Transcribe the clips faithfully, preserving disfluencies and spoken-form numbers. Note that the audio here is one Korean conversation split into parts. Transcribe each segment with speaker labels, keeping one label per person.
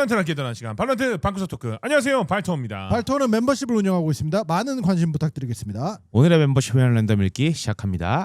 Speaker 1: 발로란트를 함께 떠나는 시간 발로란트 방구석 토크. 안녕하세요, 발토입니다.
Speaker 2: 발토는 멤버십을 운영하고 있습니다. 많은 관심 부탁드리겠습니다.
Speaker 3: 오늘의 멤버십의 랜덤 읽기 시작합니다.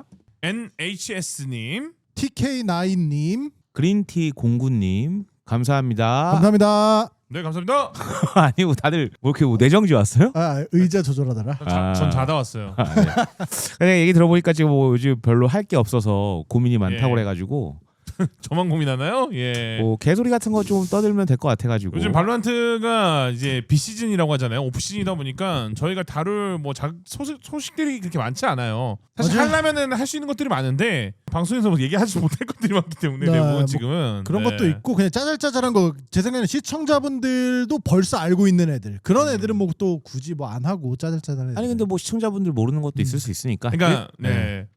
Speaker 1: 엔에이치에스님,
Speaker 2: 티케이 나인님,
Speaker 3: 그린티 공구님 감사합니다.
Speaker 2: 감사합니다.
Speaker 1: 네 감사합니다.
Speaker 3: 아니고 다들 뭐 이렇게 뭐 내정지 왔어요?
Speaker 2: 아, 의자 조절하다가.
Speaker 1: 자,
Speaker 3: 아.
Speaker 1: 전 자다 왔어요.
Speaker 3: 아, 네. 근데 얘기 들어보니까 지금 뭐 요즘 별로 할 게 없어서 고민이 많다고
Speaker 1: 예.
Speaker 3: 그래가지고
Speaker 1: 저만 고민하나요? 예.
Speaker 3: 뭐 개소리 같은 거 좀 떠들면 될 것 같아가지고.
Speaker 1: 요즘 발로란트가 이제 비시즌이라고 하잖아요. 오프시즌이다 보니까 저희가 다룰 뭐 자, 소식, 소식들이 그렇게 많지 않아요. 사실
Speaker 2: 맞아요.
Speaker 1: 하려면은 할 수 있는 것들이 많은데 방송에서 뭐 얘기하지 못할 것들이 많기 때문에
Speaker 2: 네,
Speaker 1: 대부분
Speaker 2: 뭐
Speaker 1: 지금은
Speaker 2: 그런
Speaker 1: 네.
Speaker 2: 것도 있고 그냥 짜잘짜잘한 거 제 생각에는 시청자분들도 벌써 알고 있는 애들 그런 애들은 뭐 또 굳이 뭐 안 하고 짜잘짜잘한 애들.
Speaker 3: 아니 근데 뭐 시청자분들 모르는 것도 있을
Speaker 2: 음.
Speaker 3: 수 있으니까.
Speaker 1: 그러니까
Speaker 3: 네.
Speaker 1: 네.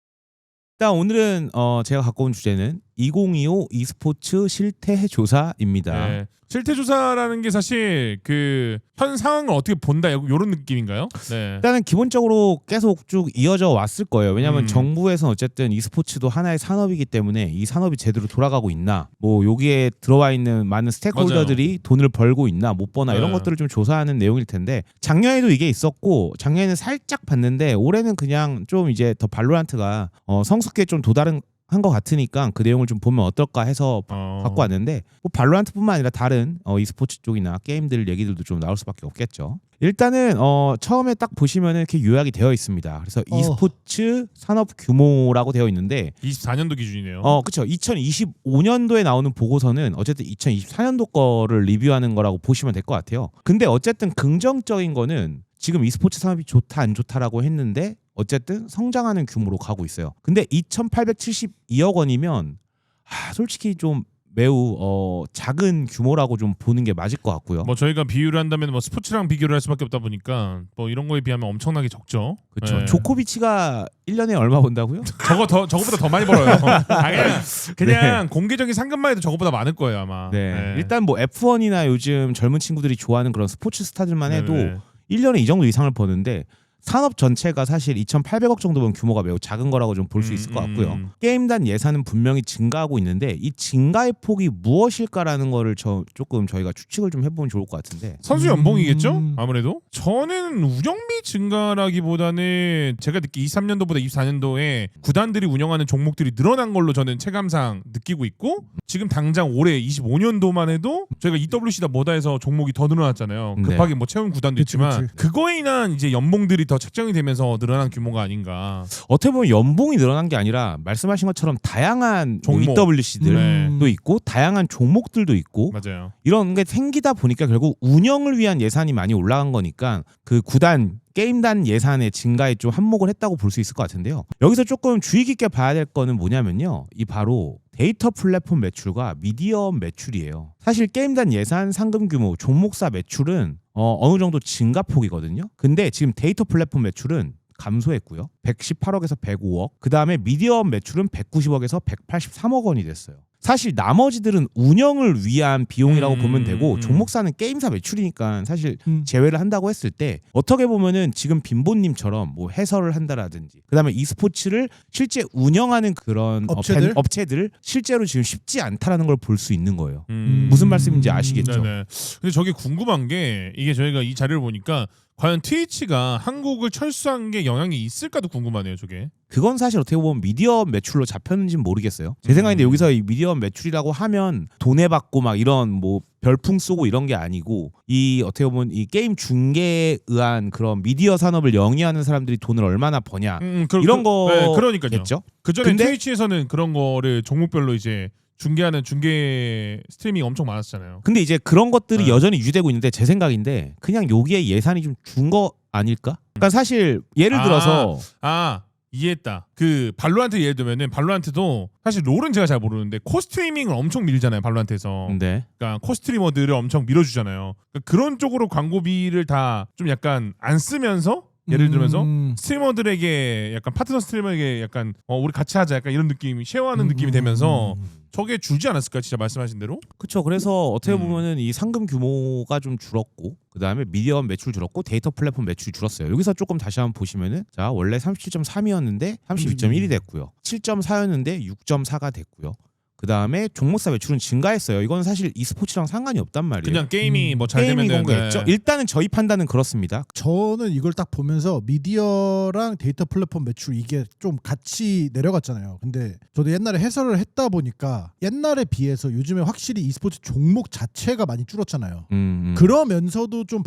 Speaker 3: 일단 오늘은 어 제가 갖고 온 주제는 이천이십오 e스포츠 실태 조사입니다.
Speaker 1: 네. 실태 조사라는 게 사실 그 현 상황을 어떻게 본다 이런 느낌인가요? 네.
Speaker 3: 일단은 기본적으로 계속 쭉 이어져 왔을 거예요. 왜냐하면
Speaker 1: 음.
Speaker 3: 정부에서는 어쨌든 e스포츠도 하나의 산업이기 때문에 이 산업이 제대로 돌아가고 있나, 뭐 여기에 들어와 있는 많은 스테이크홀더들이
Speaker 1: 맞아요.
Speaker 3: 돈을 벌고 있나 못 버나 이런
Speaker 1: 네.
Speaker 3: 것들을 좀 조사하는 내용일 텐데, 작년에도 이게 있었고 작년에는 살짝 봤는데 올해는 그냥 좀 이제 더 발로란트가 어, 성숙기에 좀 도달한 한 것 같으니까 그 내용을 좀 보면 어떨까 해서
Speaker 1: 어.
Speaker 3: 갖고 왔는데, 뭐 발로란트뿐만 아니라 다른 어, e스포츠 쪽이나 게임들 얘기들도 좀 나올 수밖에 없겠죠. 일단은 어, 처음에 딱 보시면은 이렇게 요약이 되어 있습니다. 그래서
Speaker 2: 어.
Speaker 3: e스포츠 산업 규모라고 되어 있는데,
Speaker 1: 이십사 년도 기준이네요.
Speaker 3: 어 그렇죠. 이천이십오 년도에 나오는 보고서는 어쨌든 이천이십사 년도 거를 리뷰하는 거라고 보시면 될 것 같아요. 근데 어쨌든 긍정적인 거는 지금 e스포츠 산업이 좋다 안 좋다라고 했는데 어쨌든 성장하는 규모로 가고 있어요. 근데 이천팔백칠십이억 원이면 아, 솔직히 좀 매우 어, 작은 규모라고 좀 보는 게 맞을 것 같고요.
Speaker 1: 뭐 저희가 비유를 한다면 뭐 스포츠랑 비교를 할 수밖에 없다 보니까 뭐 이런 거에 비하면 엄청나게 적죠.
Speaker 3: 그렇죠.
Speaker 1: 네.
Speaker 3: 조코비치가 일 년에 얼마 번다고요?
Speaker 1: 저거 더 저거보다 더 많이 벌어요. 아, 그냥 그냥 공개적인 상금만 해도 저거보다 많을 거예요 아마.
Speaker 3: 네.
Speaker 1: 네.
Speaker 3: 일단 뭐 에프원이나 요즘 젊은 친구들이 좋아하는 그런 스포츠 스타들만 해도
Speaker 1: 네네.
Speaker 3: 일 년에 이 정도 이상을 버는데, 산업 전체가 사실 이천팔백억 정도면 규모가 매우 작은 거라고 좀 볼 수
Speaker 1: 음,
Speaker 3: 있을 것 같고요.
Speaker 1: 음.
Speaker 3: 게임단 예산은 분명히 증가하고 있는데 이 증가의 폭이 무엇일까라는 거를 저 조금 저희가 추측을 좀 해보면 좋을 것 같은데.
Speaker 1: 선수 연봉이겠죠?
Speaker 2: 음.
Speaker 1: 아무래도 저는 운영비 증가라기보다는 제가 듣기 이십삼 년도보다 이십사 년도에 구단들이 운영하는 종목들이 늘어난 걸로 저는 체감상 느끼고 있고, 지금 당장 올해 이십오 년도만 해도 저희가 이더블유씨다 뭐다 해서 종목이 더 늘어났잖아요.
Speaker 3: 네.
Speaker 1: 급하게 뭐 채운 구단도
Speaker 2: 그치,
Speaker 1: 있지만
Speaker 2: 그치.
Speaker 1: 그거에 인한 이제 연봉들이 더 책정이 되면서 늘어난 규모가 아닌가.
Speaker 3: 어떻게 보면 연봉이 늘어난 게 아니라 말씀하신 것처럼 다양한 뭐
Speaker 1: 종목.
Speaker 3: 이더블유씨들도
Speaker 1: 네.
Speaker 3: 있고 다양한 종목들도 있고
Speaker 1: 맞아요.
Speaker 3: 이런 게 생기다 보니까 결국 운영을 위한 예산이 많이 올라간 거니까 그 구단 게임단 예산의 증가에 좀 한몫을 했다고 볼 수 있을 것 같은데요. 여기서 조금 주의 깊게 봐야 될 거는 뭐냐면요, 이 바로 데이터 플랫폼 매출과 미디어 매출이에요. 사실 게임단 예산, 상금 규모, 종목사 매출은 어, 어느 정도 증가폭이거든요. 근데 지금 데이터 플랫폼 매출은 감소했고요. 백십팔억에서 백오억. 그 다음에 미디어 매출은 백구십억에서 백팔십삼억 원이 됐어요. 사실 나머지들은 운영을 위한 비용이라고
Speaker 1: 음,
Speaker 3: 보면 되고,
Speaker 1: 음.
Speaker 3: 종목사는 게임사 매출이니까 사실
Speaker 2: 음.
Speaker 3: 제외를 한다고 했을 때 어떻게 보면은 지금 빈보님처럼 뭐 해설을 한다라든지 그다음에 e스포츠를 실제 운영하는 그런
Speaker 2: 업체들?
Speaker 3: 어, 밴- 업체들 실제로 지금 쉽지 않다라는 걸 볼 수 있는 거예요.
Speaker 1: 음.
Speaker 3: 무슨 말씀인지 아시겠죠?
Speaker 1: 네네. 근데 저게 궁금한 게, 이게 저희가 이 자료를 보니까 과연 트위치가 한국을 철수한 게 영향이 있을까도 궁금하네요. 저게.
Speaker 3: 그건 사실 어떻게 보면 미디어 매출로 잡혔는지는 모르겠어요. 제
Speaker 1: 음.
Speaker 3: 생각인데 여기서 이 미디어 매출이라고 하면 돈에 받고 막 이런 뭐 별풍 쏘고 이런 게 아니고, 이 어떻게 보면 이 게임 중계에 의한 그런 미디어 산업을 영위하는 사람들이 돈을 얼마나 버냐
Speaker 1: 음, 그,
Speaker 3: 이런
Speaker 1: 그, 네, 그러니까요.
Speaker 3: 거겠죠.
Speaker 1: 그 전에
Speaker 3: 근데-
Speaker 1: 트위치에서는 그런 거를 종목별로 이제 중계하는 중계 스트리밍이 엄청 많았잖아요.
Speaker 3: 근데 이제 그런 것들이
Speaker 1: 네.
Speaker 3: 여전히 유지되고 있는데 제 생각인데 그냥 여기에 예산이 좀 준 거 아닐까? 그러니까 사실 예를
Speaker 1: 아.
Speaker 3: 들어서
Speaker 1: 아, 이해했다. 그 발로란트 예를 들면은 발로란트도 사실 롤은 제가 잘 모르는데 코스트리밍을 엄청 밀잖아요. 발로란트에서.
Speaker 3: 네.
Speaker 1: 그러니까 코스트리머들을 엄청 밀어주잖아요. 그러니까 그런 쪽으로 광고비를 다 좀 약간 안 쓰면서, 예를 들면서
Speaker 2: 음.
Speaker 1: 스트리머들에게 약간 파트너 스트리머에게 약간 어, 우리 같이 하자 약간 이런 느낌이 쉐어하는
Speaker 2: 음.
Speaker 1: 느낌이 되면서 저게 줄지 않았을까, 진짜 말씀하신 대로?
Speaker 3: 그렇죠. 그래서 어떻게
Speaker 1: 음.
Speaker 3: 보면은 이 상금 규모가 좀 줄었고, 그 다음에 미디어 매출 줄었고, 데이터 플랫폼 매출이 줄었어요. 여기서 조금 다시 한번 보시면은, 자 원래 삼십칠 점 삼이었는데 삼십이 점 일이 됐고요. 칠 점 사였는데 육 점 사가 됐고요. 그 다음에 종목사 매출은 증가했어요. 이건 사실 e스포츠랑 상관이 없단 말이에요.
Speaker 1: 그냥 게임이
Speaker 2: 음,
Speaker 1: 뭐 잘
Speaker 3: 게임이
Speaker 1: 되면
Speaker 3: 공개했죠. 일단은 저희 판단은 그렇습니다.
Speaker 2: 저는 이걸 딱 보면서 미디어랑 데이터 플랫폼 매출 이게 좀 같이 내려갔잖아요. 근데 저도 옛날에 해설을 했다 보니까 옛날에 비해서 요즘에 확실히 e스포츠 종목 자체가 많이 줄었잖아요.
Speaker 3: 음, 음.
Speaker 2: 그러면서도 좀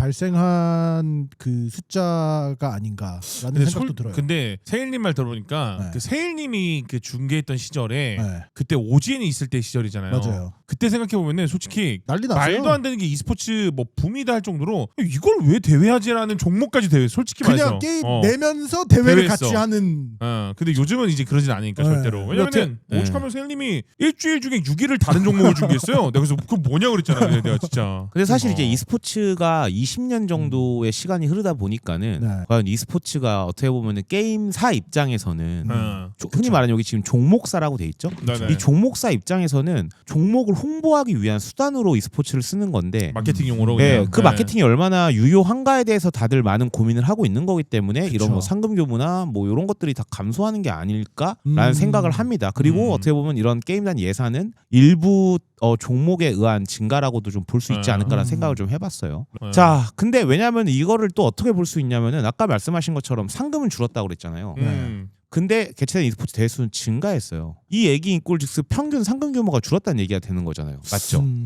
Speaker 2: 발생한 그 숫자가 아닌가라는
Speaker 1: 근데,
Speaker 2: 생각도
Speaker 1: 솔,
Speaker 2: 들어요.
Speaker 1: 근데 세일님 말 들어보니까
Speaker 2: 네.
Speaker 1: 그 세일님이 그 중계했던 시절에
Speaker 2: 네,
Speaker 1: 그때 오지엔이 있을 때 시절이잖아요.
Speaker 2: 맞아요.
Speaker 1: 그때 생각해 보면은 솔직히
Speaker 2: 난리 났어요.
Speaker 1: 말도 안 되는 게 e스포츠 뭐 붐이다 할 정도로 이걸 왜 대회하지라는 종목까지 대회 솔직히
Speaker 2: 그냥
Speaker 1: 말해서
Speaker 2: 게임
Speaker 1: 어.
Speaker 2: 내면서 대회를
Speaker 1: 대회했어.
Speaker 2: 같이 하는.
Speaker 1: 어, 근데 요즘은 이제 그러진 않으니까
Speaker 2: 네.
Speaker 1: 절대로. 왜냐면은
Speaker 3: 네.
Speaker 1: 오죽하면 세일님이 일주일 중에 육 일을 다른 종목을 중계했어요. 내가 그래서 그거 뭐냐 그랬잖아. 내가 진짜.
Speaker 3: 근데 사실
Speaker 1: 어.
Speaker 3: 이제 e스포츠가 이십 년 정도의 시간이 흐르다 보니까는
Speaker 2: 네.
Speaker 3: 과연 e스포츠가 어떻게 보면은 게임사 입장에서는
Speaker 1: 어.
Speaker 3: 조- 흔히 말하는 여기 지금 종목사라고 돼 있죠.
Speaker 1: 네네.
Speaker 3: 이 종목사 입장에서는 종목을 홍보하기 위한 수단으로 e스포츠를 쓰는 건데
Speaker 1: 마케팅용으로
Speaker 3: 네,
Speaker 1: 그냥.
Speaker 3: 그
Speaker 1: 네.
Speaker 3: 마케팅이 얼마나 유효한가에 대해서 다들 많은 고민을 하고 있는 거기 때문에
Speaker 2: 그쵸.
Speaker 3: 이런 뭐 상금 교부나 뭐 이런 것들이 다 감소하는 게 아닐까라는
Speaker 2: 음.
Speaker 3: 생각을 합니다. 그리고
Speaker 1: 음.
Speaker 3: 어떻게 보면 이런 게임단 예산은 일부 어, 종목에 의한 증가라고도 좀 볼 수 있지
Speaker 1: 네.
Speaker 3: 않을까라는
Speaker 2: 음.
Speaker 3: 생각을 좀 해봤어요.
Speaker 1: 네.
Speaker 3: 자, 근데 왜냐하면 이거를 또 어떻게 볼 수 있냐면은 아까 말씀하신 것처럼 상금은 줄었다고 그랬잖아요.
Speaker 1: 음.
Speaker 3: 근데 개최된 e스포츠 대회수는 증가했어요. 이 얘기인 꼴즉슨 평균 상금 규모가 줄었다는 얘기가 되는 거잖아요. 맞죠?
Speaker 2: 음.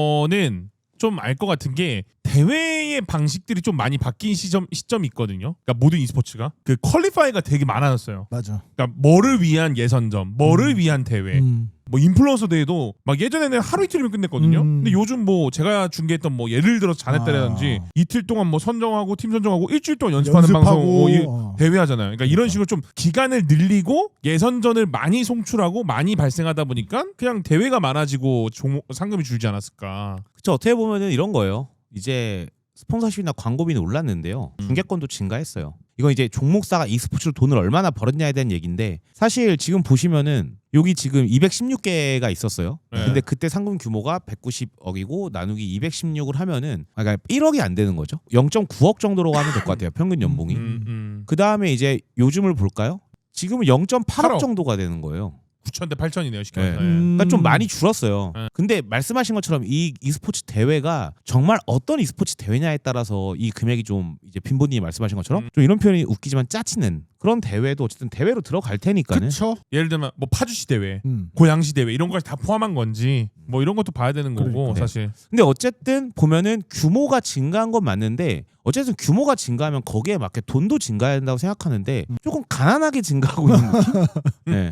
Speaker 1: 저는 좀 알 것 같은 게 대회의 방식들이 좀 많이 바뀐 시점 시점이 있거든요. 그러니까 모든 e스포츠가 그 퀄리파이가 되게 많아졌어요.
Speaker 2: 맞아.
Speaker 1: 그러니까 뭐를 위한 예선전, 뭐를
Speaker 2: 음.
Speaker 1: 위한 대회.
Speaker 2: 음.
Speaker 1: 뭐 인플루언서 대회도 막 예전에는 하루 이틀이면 끝냈거든요.
Speaker 2: 음.
Speaker 1: 근데 요즘 뭐 제가 중계했던 뭐 예를 들어서 자네따라든지
Speaker 2: 아.
Speaker 1: 이틀 동안 뭐 선정하고 팀 선정하고 일주일 동안 연습하는
Speaker 2: 연습하고,
Speaker 1: 방송 뭐 이-
Speaker 2: 어.
Speaker 1: 대회 하잖아요. 그러니까 이런 식으로 좀 기간을 늘리고 예선전을 많이 송출하고 많이 발생하다 보니까 그냥 대회가 많아지고 종목 상금이 줄지 않았을까.
Speaker 3: 그쵸. 어떻게 보면은 이런 거예요. 이제 스폰서십이나 광고비는 올랐는데요.
Speaker 1: 음.
Speaker 3: 중계권도 증가했어요. 이건 이제 종목사가 e스포츠로 돈을 얼마나 벌었냐에 대한 얘기인데 사실 지금 보시면은 여기 지금 이백십육 개가 있었어요.
Speaker 1: 네.
Speaker 3: 근데 그때 상금 규모가 백구십억이고 나누기 이백십육을 하면은 아, 그러니까 일억이 안 되는 거죠. 영 점 구억 정도로 하면 될 것 같아요. 평균 연봉이.
Speaker 1: 음, 음.
Speaker 3: 그 다음에 이제 요즘을 볼까요? 지금은 영 점 팔억
Speaker 1: 팔억.
Speaker 3: 정도가 되는 거예요.
Speaker 1: 구천 대 팔천이네요. 쉽게
Speaker 3: 네.
Speaker 1: 말해서.
Speaker 2: 음.
Speaker 3: 그러니까 좀 많이 줄었어요.
Speaker 1: 네.
Speaker 3: 근데 말씀하신 것처럼 이 e스포츠 대회가 정말 어떤 e스포츠 대회냐에 따라서 이 금액이 좀 이제 빈보님이 말씀하신 것처럼
Speaker 1: 음.
Speaker 3: 좀 이런 표현이 웃기지만 짜치는 그런 대회도 어쨌든 대회로 들어갈 테니까는
Speaker 2: 그쵸.
Speaker 1: 예를 들면 뭐 파주시 대회,
Speaker 2: 음.
Speaker 1: 고양시 대회 이런 것까지 다 포함한 건지 뭐 이런 것도 봐야 되는 거고
Speaker 2: 그러니까.
Speaker 1: 사실.
Speaker 3: 근데 어쨌든 보면은 규모가 증가한 건 맞는데 어쨌든 규모가 증가하면 거기에 맞게 돈도 증가해야 된다고 생각하는데
Speaker 2: 음.
Speaker 3: 조금 가난하게 증가하고 있는 느낌? 네.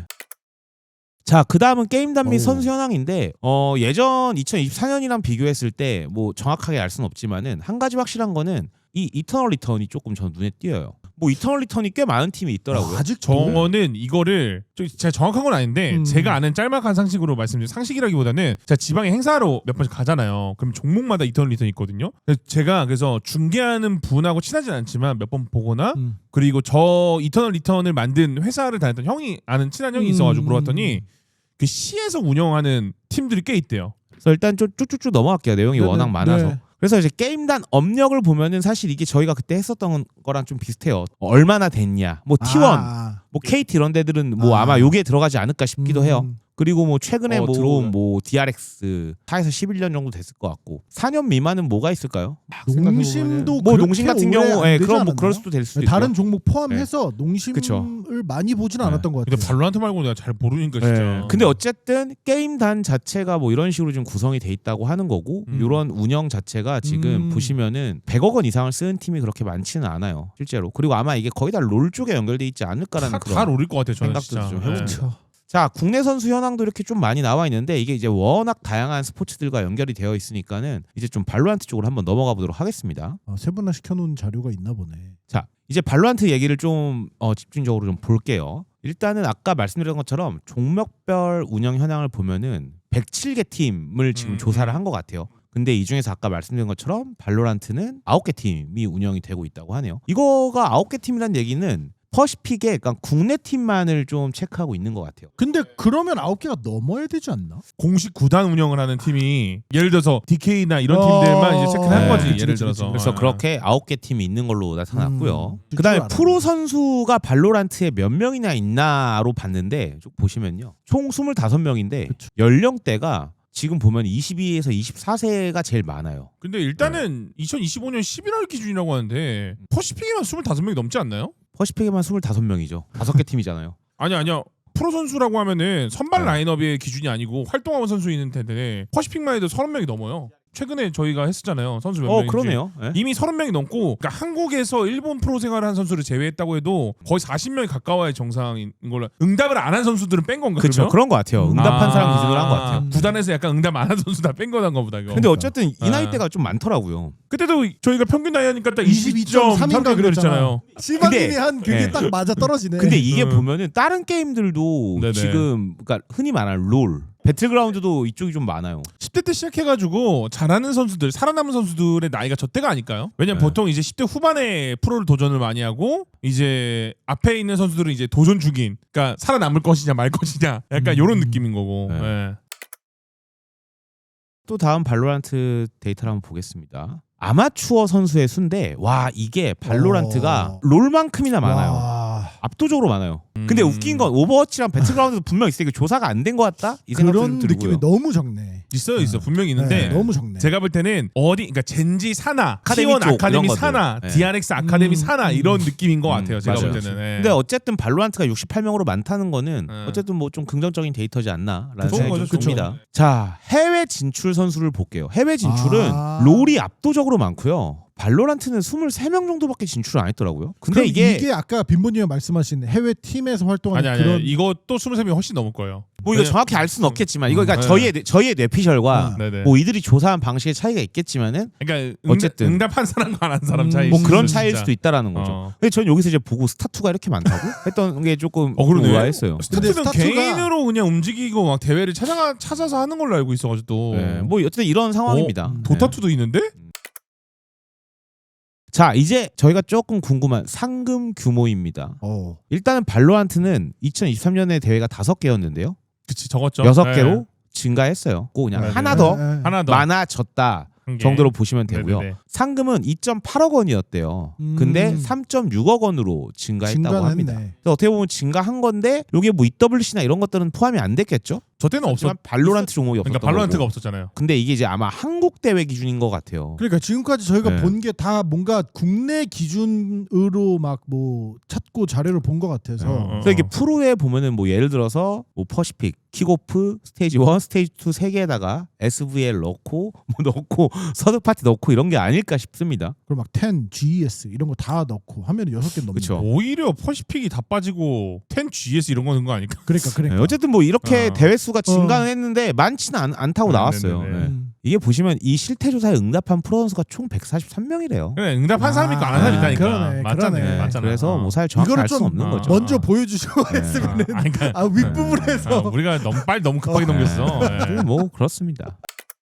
Speaker 3: 자, 그 다음은 게임단 및
Speaker 2: 어우.
Speaker 3: 선수 현황인데 어, 예전 이천이십사 년이랑 비교했을 때 뭐 정확하게 알 수는 없지만은 한 가지 확실한 거는 이 이터널 리턴이 조금 전 눈에 띄어요. 뭐 이터널 리턴이 꽤 많은 팀이 있더라고요.
Speaker 2: 아, 아직
Speaker 1: 저는 이거를 좀 제가 정확한 건 아닌데
Speaker 2: 음.
Speaker 1: 제가 아는 짤막한 상식으로 말씀드리면 상식이라기보다는 제가 지방에 행사로 몇 번씩 가잖아요. 그럼 종목마다 이터널 리턴이 있거든요. 그래서 제가 그래서 중계하는 분하고 친하진 않지만 몇 번 보거나
Speaker 2: 음.
Speaker 1: 그리고 저 이터널 리턴을 만든 회사를 다녔던 형이 아는 친한 형이 있어가지고
Speaker 2: 음.
Speaker 1: 물어봤더니 그 시에서 운영하는 팀들이 꽤 있대요.
Speaker 3: 그래서 일단 좀 쭉쭉쭉 넘어갈게요. 내용이
Speaker 2: 네네,
Speaker 3: 워낙 많아서.
Speaker 2: 네.
Speaker 3: 그래서 이제 게임단 업력을 보면은 사실 이게 저희가 그때 했었던 거랑 좀 비슷해요. 얼마나 됐냐. 뭐 티 원,
Speaker 2: 아.
Speaker 3: 뭐 케이티 이런 데들은 뭐
Speaker 2: 아.
Speaker 3: 아마 요게 들어가지 않을까 싶기도
Speaker 2: 음.
Speaker 3: 해요. 그리고 뭐 최근에
Speaker 1: 어,
Speaker 3: 뭐
Speaker 1: 들어오면.
Speaker 3: 들어온 뭐 디알엑스 사에서 십일 년 정도 됐을 것 같고 사 년 미만은 뭐가 있을까요?
Speaker 2: 농심도
Speaker 3: 뭐
Speaker 2: 그렇게
Speaker 3: 농심 같은
Speaker 2: 오래
Speaker 3: 경우
Speaker 2: 안
Speaker 3: 예,
Speaker 2: 되지
Speaker 3: 그럼 뭐
Speaker 2: 않았나요?
Speaker 3: 그럴 수도 될 수도
Speaker 2: 다른
Speaker 3: 있고요.
Speaker 2: 종목 포함해서 농심을
Speaker 3: 그쵸.
Speaker 2: 많이 보지는
Speaker 3: 네.
Speaker 2: 않았던 것
Speaker 1: 근데
Speaker 2: 같아요.
Speaker 1: 발로란트 말고 내가 잘 모르니까 진짜.
Speaker 3: 예. 근데 어쨌든 게임단 자체가 뭐 이런 식으로 좀 구성이 돼 있다고 하는 거고
Speaker 1: 음.
Speaker 3: 이런 운영 자체가 지금
Speaker 2: 음.
Speaker 3: 보시면은 백억 원 이상을 쓰는 팀이 그렇게 많지는 않아요 실제로. 그리고 아마 이게 거의 다 롤 쪽에 연결돼 있지 않을까라는
Speaker 1: 다,
Speaker 3: 그런
Speaker 1: 다 노릴 것 같아요. 저는
Speaker 3: 생각도
Speaker 1: 진짜.
Speaker 3: 좀
Speaker 1: 예.
Speaker 3: 해봅니다.
Speaker 2: 그렇죠.
Speaker 3: 자, 국내 선수 현황도 이렇게 좀 많이 나와 있는데 이게 이제 워낙 다양한 스포츠들과 연결이 되어 있으니까는 이제 좀 발로란트 쪽으로 한번 넘어가 보도록 하겠습니다.
Speaker 2: 아, 세 분나 시켜놓은 자료가 있나 보네.
Speaker 3: 자, 이제 발로란트 얘기를 좀 어, 집중적으로 좀 볼게요. 일단은 아까 말씀드린 것처럼 종목별 운영 현황을 보면은 백칠 개 팀을 지금
Speaker 1: 음.
Speaker 3: 조사를 한 것 같아요. 근데 이 중에서 아까 말씀드린 것처럼 발로란트는 아홉 개 팀이 운영이 되고 있다고 하네요. 이거가 아홉 개 팀이란 얘기는 퍼시픽에 그러니까 국내 팀만을 좀 체크하고 있는 것 같아요.
Speaker 2: 근데 그러면 아홉 개가 넘어야 되지 않나?
Speaker 1: 공식 구단 운영을 하는 팀이 예를 들어서 디케이나 이런
Speaker 2: 어,
Speaker 1: 팀들만 이제 체크를 한
Speaker 3: 네.
Speaker 1: 거지.
Speaker 2: 그치,
Speaker 1: 예를
Speaker 2: 그치,
Speaker 1: 들어서.
Speaker 3: 그래서
Speaker 1: 아.
Speaker 3: 그렇게 아홉 개 팀이 있는 걸로 나타났고요.
Speaker 2: 음,
Speaker 3: 그다음에
Speaker 2: 줄
Speaker 3: 프로 선수가 발로란트에 몇 명이나 있나로 봤는데 쭉 보시면요. 총 스물다섯 명인데
Speaker 2: 그쵸.
Speaker 3: 연령대가 지금 보면 이십이에서 이십사 세가 제일 많아요.
Speaker 1: 근데 일단은 이천이십오 년 십일월 기준이라고 하는데 퍼시픽에만 스물다섯 명이 넘지 않나요?
Speaker 3: 퍼시픽에만 스물다섯 명이죠. 다섯 개 팀이잖아요.
Speaker 1: 아니 아니요. 프로 선수라고 하면은 선발
Speaker 3: 네.
Speaker 1: 라인업의 기준이 아니고 활동하는 선수 있는 텐데 퍼시픽만 해도 서른 명이 넘어요. 최근에 저희가 했었잖아요. 선수 몇
Speaker 3: 어,
Speaker 1: 명인지.
Speaker 3: 그러네요. 예.
Speaker 1: 이미 서른 명이 넘고 그러니까 한국에서 일본 프로 생활을 한 선수를 제외했다고 해도 거의 사십 명이 가까워야 정상인 걸로. 응답을 안 한 선수들은 뺀 건가?
Speaker 3: 그렇죠.
Speaker 1: 그러면?
Speaker 3: 그런 것 같아요. 응답한
Speaker 1: 아,
Speaker 3: 사람 기준으로 한 것 같아요.
Speaker 1: 구단에서 약간 응답 안 한 선수 다 뺀 거란 거보다 이거.
Speaker 3: 근데 어쨌든 이
Speaker 1: 아.
Speaker 3: 나이대가 좀 많더라고요.
Speaker 1: 그때도 저희가 평균 나이 하니까 딱
Speaker 2: 이십이 점 삼 인가
Speaker 1: 이십이 점 삼
Speaker 2: 그랬잖아요.
Speaker 1: 그랬잖아요.
Speaker 2: 실바님이
Speaker 3: 근데-
Speaker 2: 한 그게
Speaker 3: 네.
Speaker 2: 딱 맞아 떨어지네.
Speaker 3: 근데 이게
Speaker 1: 음.
Speaker 3: 보면은 다른 게임들도
Speaker 1: 네네.
Speaker 3: 지금 그러니까 흔히 말하는 롤, 배틀그라운드도 이쪽이 좀 많아요.
Speaker 1: 십 대 때 시작해가지고 잘하는 선수들, 살아남은 선수들의 나이가 저때가 아닐까요? 왜냐면
Speaker 3: 네.
Speaker 1: 보통 이제 십 대 후반에 프로를 도전을 많이 하고 이제 앞에 있는 선수들은 이제 도전 중인, 그러니까 살아남을 것이냐 말 것이냐, 약간
Speaker 2: 음.
Speaker 1: 이런 느낌인 거고.
Speaker 3: 네.
Speaker 1: 예.
Speaker 3: 또 다음 발로란트 데이터를 한번 보겠습니다. 아마추어 선수의 수인데 와 이게 발로란트가
Speaker 2: 어.
Speaker 3: 롤만큼이나 많아요.
Speaker 2: 와,
Speaker 3: 압도적으로 많아요. 근데
Speaker 1: 음.
Speaker 3: 웃긴 건 오버워치랑 배틀그라운드도 분명 있으니까 조사가 안 된 것 같다 이 생각도
Speaker 2: 그런
Speaker 3: 좀 들고요.
Speaker 2: 느낌이 너무 적네.
Speaker 1: 있어요, 있어,
Speaker 2: 네.
Speaker 1: 분명히 있는데.
Speaker 2: 네, 너무 적네.
Speaker 1: 제가 볼 때는 어디, 그러니까 젠지 사나,
Speaker 3: 아카데미
Speaker 1: 티원
Speaker 3: 쪽
Speaker 1: 아카데미
Speaker 3: 이런
Speaker 1: 사나,
Speaker 3: 것들. 네.
Speaker 1: 디알엑스 아카데미
Speaker 2: 음,
Speaker 1: 사나
Speaker 2: 음.
Speaker 1: 이런 느낌인 것
Speaker 3: 음,
Speaker 1: 같아요. 제가
Speaker 3: 맞아요.
Speaker 1: 볼 때는. 예.
Speaker 3: 근데 어쨌든 발로란트가 육십팔 명으로 많다는 거는
Speaker 1: 네.
Speaker 3: 어쨌든 뭐 좀 긍정적인 데이터지 않나라는
Speaker 1: 좋은
Speaker 3: 생각이
Speaker 1: 거죠,
Speaker 3: 좀
Speaker 1: 좋은
Speaker 3: 듭니다.
Speaker 1: 거죠.
Speaker 3: 자 해외 진출 선수를 볼게요. 해외 진출은
Speaker 2: 아.
Speaker 3: 롤이 압도적으로 많고요. 발로란트는 이십삼 명 정도밖에 진출을 안 했더라고요. 근데
Speaker 2: 그럼
Speaker 3: 이게,
Speaker 2: 이게 아까 빈보님이 말씀하신 해외 팀에서 활동하는
Speaker 1: 아니 아니
Speaker 2: 그런
Speaker 1: 이것도 스물세 명이 훨씬 넘을 거예요.
Speaker 3: 뭐 이거
Speaker 1: 왜냐-
Speaker 3: 정확히 알 수는 없겠지만 이거 그러니까
Speaker 1: 네.
Speaker 3: 저희의 뇌- 저희의 뇌피셜과
Speaker 2: 아.
Speaker 1: 네네.
Speaker 3: 뭐 이들이 조사한 방식의 차이가 있겠지만은
Speaker 1: 그러니까
Speaker 3: 어쨌든.
Speaker 1: 응답, 응답한 사람과 안 한 사람
Speaker 2: 음,
Speaker 1: 차이.
Speaker 3: 뭐 그런
Speaker 1: 진짜.
Speaker 3: 차이일 수도 있다라는 거죠.
Speaker 1: 어.
Speaker 3: 근데 전 여기서 이제 보고 스타투가 이렇게 많다고 했던 게 조금
Speaker 1: 어, 그러네.
Speaker 3: 의아했어요.
Speaker 2: 근데
Speaker 1: 스타트는
Speaker 2: 스타트가-
Speaker 1: 개인으로 그냥 움직이고 막 대회를 찾아가 찾아서 하는 걸로 알고 있어가지고 또.
Speaker 3: 네, 뭐 어쨌든 이런 상황입니다.
Speaker 2: 어?
Speaker 3: 네.
Speaker 1: 도타투도 있는데?
Speaker 3: 자 이제 저희가 조금 궁금한 상금 규모입니다.
Speaker 2: 어.
Speaker 3: 일단은 발로란트는 이천이십삼 년에 대회가 다섯 개였는데요.
Speaker 1: 그치 적었죠.
Speaker 3: 여섯
Speaker 1: 네.
Speaker 3: 개로 증가했어요. 꼭 그냥
Speaker 1: 네,
Speaker 3: 하나
Speaker 1: 네.
Speaker 3: 더
Speaker 2: 네, 네.
Speaker 1: 하나 더
Speaker 3: 많아졌다
Speaker 1: 한 개.
Speaker 3: 정도로 보시면 되고요.
Speaker 1: 네네네.
Speaker 3: 상금은 이 점 팔억 원이었대요.
Speaker 2: 음.
Speaker 3: 근데 삼 점 육억 원으로 증가했다고
Speaker 2: 증가는
Speaker 3: 합니다.
Speaker 2: 했네.
Speaker 3: 그래서 어떻게 보면 증가한 건데 이게 뭐 이더블유씨나 이런 것들은 포함이 안 됐겠죠?
Speaker 1: 저 때는 없었.
Speaker 3: 하지만 발로란트 종목이 없었던
Speaker 1: 그러니까 발로란트가
Speaker 3: 거고.
Speaker 1: 없었잖아요.
Speaker 3: 근데 이게 이제 아마 한국 대회 기준인 것 같아요.
Speaker 2: 그러니까 지금까지 저희가
Speaker 3: 네.
Speaker 2: 본 게 다 뭔가 국내 기준으로 막 뭐 찾고 자료를 본 것 같아서
Speaker 1: 어, 어.
Speaker 3: 그래서 이게 프로에 보면은 뭐 예를 들어서 뭐 퍼시픽, 킥오프, 스테이지 일, 스테이지 이 세 개에다가 에스브이엘 넣고 뭐 넣고 서드 파티 넣고 이런 게 아닐까 싶습니다.
Speaker 2: 그리고 막 텐, 지이에스 이런 거 다 넣고 하면 여섯 개 넘는
Speaker 3: 그쵸.
Speaker 1: 오히려 퍼시픽이 다 빠지고 텐 지에스 이런 거 넣은 거 아닐까?
Speaker 2: 그러니까 그러니까.
Speaker 3: 네, 어쨌든 뭐 이렇게
Speaker 1: 어.
Speaker 3: 대회 수가 증가는 했는데 많지는 않, 않다고
Speaker 1: 네,
Speaker 3: 나왔어요.
Speaker 1: 네, 네, 네.
Speaker 3: 네.
Speaker 2: 음.
Speaker 3: 이게 보시면 이 실태 조사에 응답한 프로 선수가 총 백사십삼 명이래요.
Speaker 1: 그래 응답한
Speaker 2: 아,
Speaker 1: 사람이 있고 안 한 사람이
Speaker 2: 아,
Speaker 1: 있다니까.
Speaker 2: 그러네,
Speaker 1: 맞잖아요.
Speaker 2: 그러네.
Speaker 3: 네,
Speaker 1: 맞잖아.
Speaker 3: 그래서
Speaker 1: 어.
Speaker 3: 뭐 사실 정확히
Speaker 2: 이거를
Speaker 3: 알 수는
Speaker 2: 좀
Speaker 3: 없는
Speaker 1: 어.
Speaker 3: 거죠.
Speaker 2: 먼저 보여주시고
Speaker 3: 네.
Speaker 2: 했으면은
Speaker 1: 아, 그러니까
Speaker 2: 아 윗부분에서
Speaker 1: 아, 우리가 너무 빨리 너무 급하게 넘겼어.
Speaker 3: 네,
Speaker 1: 예.
Speaker 3: 뭐 그렇습니다.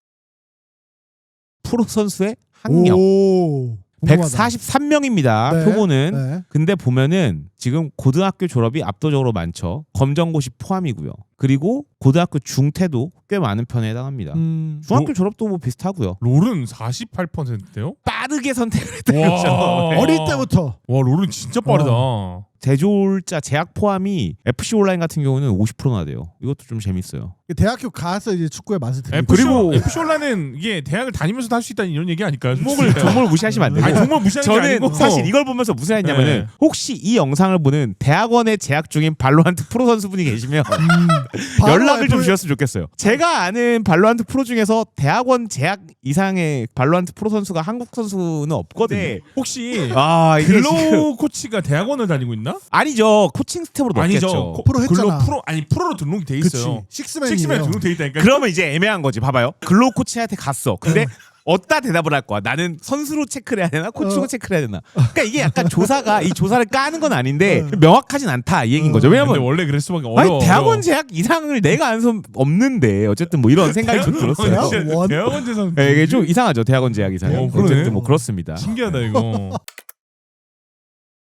Speaker 3: 프로 선수의 학력
Speaker 2: 오, 궁금하다.
Speaker 3: 백사십삼 명입니다.
Speaker 2: 네,
Speaker 3: 표본은.
Speaker 2: 네.
Speaker 3: 근데 보면은 지금 고등학교 졸업이 압도적으로 많죠. 검정고시 포함이고요. 그리고 고등학교 중퇴도 꽤 많은 편에 해당합니다.
Speaker 2: 음.
Speaker 3: 중학교
Speaker 1: 뭐-
Speaker 3: 졸업도 뭐 비슷하고요.
Speaker 1: 롤은 사십팔 퍼센트대요?
Speaker 3: 빠르게 선택을 했다죠.
Speaker 1: 와.
Speaker 2: 어릴 때부터
Speaker 1: 와 롤은 진짜 빠르다.
Speaker 3: 제조자 제약 포함이 에프씨 온라인 같은 경우는 오십 퍼센트나 돼요. 이것도 좀 재밌어요.
Speaker 2: 대학교 가서 이제 축구의 맛을 들고
Speaker 1: 에프씨,
Speaker 3: 그리고-
Speaker 1: 에프씨 온라인은 이게 대학을 다니면서도 할 수 있다는 이런 얘기 아닐까요?
Speaker 3: 종목을 종목을 무시하시면 안 되고.
Speaker 1: 아니 종목 무시하는 게
Speaker 3: 저는
Speaker 1: 아니고
Speaker 3: 사실 이걸 보면서 무슨 했냐면은
Speaker 1: 네.
Speaker 3: 혹시 이 영상을 보는 대학원에 재학 중인 발로란트 프로 선수분이 계시면
Speaker 2: 음, 바로
Speaker 3: 연락을 좀
Speaker 2: F-
Speaker 3: 주셨으면 좋겠어요. 제가 아는 발로란트 프로 중에서 대학원 재학 이상의 발로란트 프로 선수가 한국 선수는 없거든요.
Speaker 1: 네. 혹시
Speaker 3: 아 이게
Speaker 1: 글로우
Speaker 3: 지금
Speaker 1: 코치가 대학원을 다니고 있나?
Speaker 3: 아니죠. 코칭 스텝으로 넣겠죠.
Speaker 1: 아니죠. 코-
Speaker 2: 프로 했잖아.
Speaker 1: 글로우 프로 아니 프로로 등록이 돼
Speaker 2: 그치
Speaker 1: 있어요.
Speaker 2: 식스맨이에요.
Speaker 1: 식스맨 등록돼 있다니까.
Speaker 3: 그러면 이제 애매한 거지. 봐봐요. 글로우 코치한테 갔어. 근데 어디다 대답을 할 거야? 나는 선수로 체크를 해야 되나? 코치로
Speaker 2: 어.
Speaker 3: 체크를 해야 되나? 그러니까 이게 약간 조사가 이 조사를 까는 건 아닌데
Speaker 2: 어.
Speaker 3: 명확하진 않다 이 얘기인 거죠.
Speaker 1: 근데
Speaker 3: 왜냐면
Speaker 1: 원래 그럴 수밖에 어려워.
Speaker 3: 아니 대학원 재학 이상을 내가 아는 선 없는데 어쨌든 뭐 이런 생각이 좀 들었어요.
Speaker 2: 대학원?
Speaker 1: 대학원 대학원 재산.
Speaker 3: 네, 이게 좀 이상하죠. 대학원 재학 이상.
Speaker 1: 어, 그러네.
Speaker 3: 어쨌든 뭐 그렇습니다.
Speaker 1: 신기하다 이거.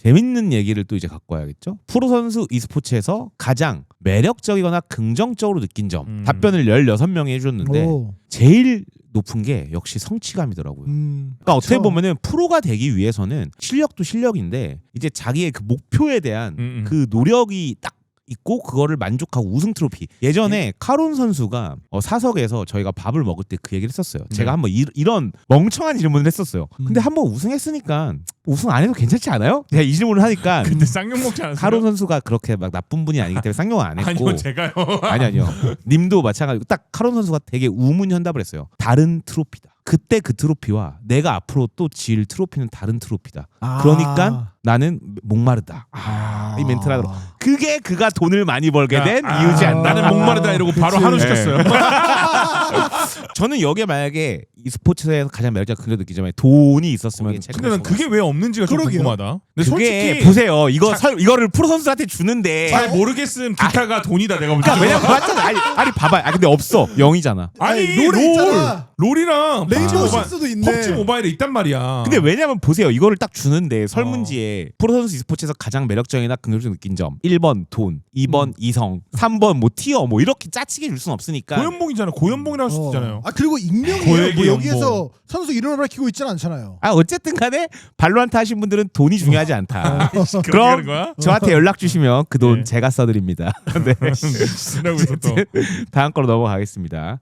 Speaker 3: 재밌는 얘기를 또 이제 갖고 와야겠죠. 프로 선수 e스포츠에서 가장 매력적이거나 긍정적으로 느낀 점
Speaker 1: 음.
Speaker 3: 답변을 열여섯 명이 해줬는데
Speaker 2: 오.
Speaker 3: 제일 높은 게 역시 성취감이더라고요.
Speaker 2: 음.
Speaker 3: 그러니까 어떻게
Speaker 2: 그쵸.
Speaker 3: 보면은 프로가 되기 위해서는 실력도 실력인데 이제 자기의 그 목표에 대한
Speaker 1: 음, 음.
Speaker 3: 그 노력이 딱 있고 그거를 만족하고 우승 트로피. 예전에 카론 선수가 어, 사석에서 저희가 밥을 먹을 때 그 얘기를 했었어요. 제가
Speaker 1: 네.
Speaker 3: 한번 이, 이런 멍청한 질문을 했었어요. 근데
Speaker 2: 음.
Speaker 3: 한번 우승했으니까 우승 안 해도 괜찮지 않아요? 제가 이 질문을 하니까
Speaker 1: 근데 쌍욕 먹지 않았어요?
Speaker 3: 카론 선수가 그렇게 막 나쁜 분이 아니기 때문에 쌍욕을 안 했고
Speaker 1: 아니요 제가요.
Speaker 3: 아니 아니요. 님도 마찬가지고 딱 카론 선수가 되게 우문현답을 했어요. 다른 트로피다. 그때 그 트로피와 내가 앞으로 또 질 트로피는 다른 트로피다.
Speaker 2: 아.
Speaker 3: 그러니까 나는 목마르다. 아, 이 멘트를 하더라고. 그게 그가 돈을 많이 벌게 된
Speaker 1: 아,
Speaker 3: 이유지
Speaker 1: 아,
Speaker 3: 않나.
Speaker 1: 나는 목마르다 이러고 바로
Speaker 2: 그치.
Speaker 1: 한우
Speaker 3: 네.
Speaker 1: 시켰어요.
Speaker 3: 저는 여기에 만약에 e스포츠에서 가장 매력적인 그런 느끼지만 돈이 있었으면
Speaker 1: 근데 난 그게 왜 없는지가 좀
Speaker 2: 그러게요.
Speaker 1: 궁금하다. 근데
Speaker 3: 그게
Speaker 1: 솔직히
Speaker 3: 보세요. 이거
Speaker 1: 자-
Speaker 3: 설, 이거를 프로 선수한테 주는데
Speaker 1: 잘 모르겠음 기타가 돈이다 내가 볼 때.
Speaker 3: 그러니까 왜냐면 맞잖아. 아니, 아니 봐봐. 아 근데 없어. 영이잖아.
Speaker 1: 아니
Speaker 2: 아니, 롤에
Speaker 1: 롤
Speaker 2: 있잖아.
Speaker 1: 롤이랑
Speaker 2: 레인보우
Speaker 1: 펍지 모바일-
Speaker 2: 식스도 있네.
Speaker 1: 펍지 모바일에 있단 말이야.
Speaker 3: 근데 왜냐면 보세요. 이거를 딱 주는데 설문지에
Speaker 1: 어.
Speaker 3: 프로 선수 e스포츠에서 가장 매력적이나 긍정적으로 느낀 점 일 번 돈, 이 번
Speaker 2: 음.
Speaker 3: 이성, 삼 번 뭐 티어 뭐 이렇게 짜치게 줄 수는 없으니까
Speaker 1: 고연봉이잖아. 고연봉이라고 할 수
Speaker 2: 어.
Speaker 1: 있잖아요.
Speaker 2: 아 그리고 익명이에요.
Speaker 1: 고액의
Speaker 2: 뭐
Speaker 1: 연봉.
Speaker 2: 여기에서 선수 이름을 밝히고 있지는 않잖아요.
Speaker 3: 아 어쨌든 간에 발로란트 하신 분들은 돈이 중요하지 않다.
Speaker 1: 그렇게
Speaker 3: 그럼
Speaker 1: 하는 거야?
Speaker 3: 저한테 연락 주시면 그 돈
Speaker 1: 네.
Speaker 3: 제가 써드립니다. 네.
Speaker 1: 이러고 있어 또.
Speaker 3: 다음 거로 넘어가겠습니다.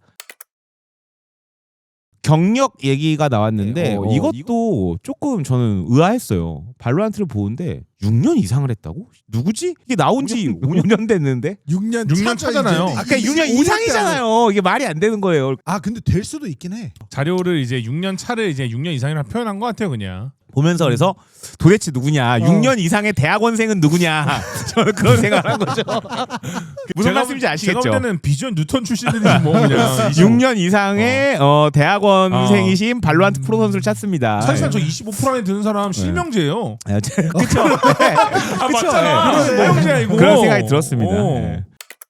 Speaker 3: 경력 얘기가 나왔는데
Speaker 1: 네,
Speaker 3: 어,
Speaker 1: 어,
Speaker 3: 이것도 조금 저는 의아했어요. 발로란트를 보는데 육 년 이상을 했다고? 누구지? 이게 나온 지 오 년 됐는데?
Speaker 2: 육 년
Speaker 1: 육 년
Speaker 2: 차죠,
Speaker 1: 차잖아요.
Speaker 2: 이제.
Speaker 3: 아까 육 년
Speaker 2: 이십오 년
Speaker 3: 이상이잖아요. 이게 말이 안 되는 거예요.
Speaker 2: 아 근데 될 수도 있긴 해.
Speaker 1: 자료를 이제 육 년 차를 이제 육 년 이상이라 표현한 것 같아요 그냥.
Speaker 3: 보면서 그래서 도대체 누구냐?
Speaker 2: 어.
Speaker 3: 육 년 이상의 대학원생은 누구냐? 저는 그런 생각을 한 거죠. 무슨
Speaker 1: 제가
Speaker 3: 말씀인지
Speaker 1: 볼-
Speaker 3: 아시겠죠?
Speaker 1: 제가 볼 때는 비전 뉴턴 출신들이지 뭐 그냥.
Speaker 3: 육 년 이상의 어. 대학원생이신 발로란트 프로 선수를 찾습니다.
Speaker 1: 사실상 저 이십오 퍼센트 안에 드는 사람 실명제예요.
Speaker 3: 아, 저- 그쵸? 네.
Speaker 1: 아
Speaker 3: 그쵸?
Speaker 1: 맞잖아.
Speaker 3: 네.
Speaker 1: 실명제야 이거.
Speaker 3: 그런 생각이 들었습니다.
Speaker 1: 어.
Speaker 3: 네.